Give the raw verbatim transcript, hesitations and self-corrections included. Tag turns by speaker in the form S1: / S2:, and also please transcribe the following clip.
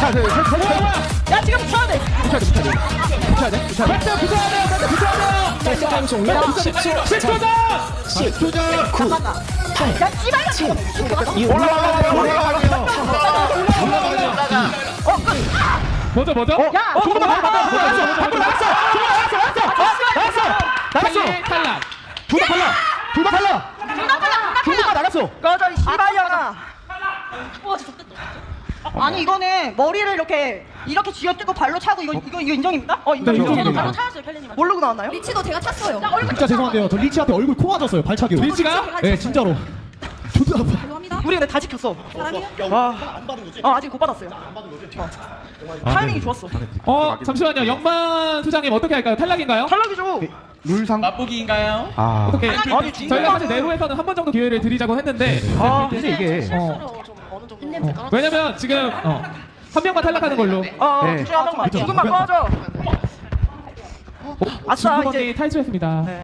S1: 하나 둘 셋 셋.
S2: 야 지금 붙여야 돼.
S1: 붙여야 돼 붙여야 돼. 붙여야 돼 붙여야 돼.
S2: 벨트 붙여야 돼요. 벨트 붙여야 돼요.
S3: 벨트 타임 종료. 십 초.
S2: 십 초 전.
S1: 십 초 전.
S3: 구.
S2: 야 씨발.
S3: 칠. 이
S1: 올라가야 돼요. 올라가야 돼요. 올라가야 돼요.
S4: 뭐죠 뭐죠?
S2: 야
S1: 조금만 더 나갔어. 나갔어. 나갔어. 나갔어. 나갔어.
S4: 탈리 탈락.
S1: 둘 다 탈락. 둘 다 탈락. 둘 다 나갔어.
S2: 꺼져 이 씨발년아. 아니 이거는 머리를 이렇게 이렇게 쥐어뜯고 발로 차고 이거 이거 이거 인정입니까? 어 인정.
S1: 네, 인정입니다.
S2: 발로 차였어요 켈리님. 모르고 나왔나요?
S5: 리치도 제가 찼어요.
S1: 진짜 죄송한데요. 저 리치한테 얼굴 코 맞았어요. 발차기로.
S4: 리치가?
S1: 네, 진짜로. 존나 아파.
S5: 죄송합니다.
S2: 우리 근데 다 지켰어.
S5: 사랑해요.
S2: 와. 어 아직 못 받았어요. 타이밍이 좋았어.
S4: 어 잠시만요. 영만 수장님 어떻게 할까요? 탈락인가요?
S2: 탈락이죠.
S1: 룰상.
S4: 맛보기인가요?
S1: 아.
S4: 어떻게?
S2: 아니,
S4: 저희가 사실 내로에서는 한 번 정도 기회를 드리자고 했는데
S2: 아
S1: 근데 이게
S4: 어, 왜냐면 지금 어, 한 명만 탈락하는 걸로.
S2: 어
S1: 네.
S2: 둘 중에 한 명만.
S1: 그쵸.
S2: 지금만 꺼져. 아싸
S4: 중국언니
S2: 이제.
S4: 탈출했습니다.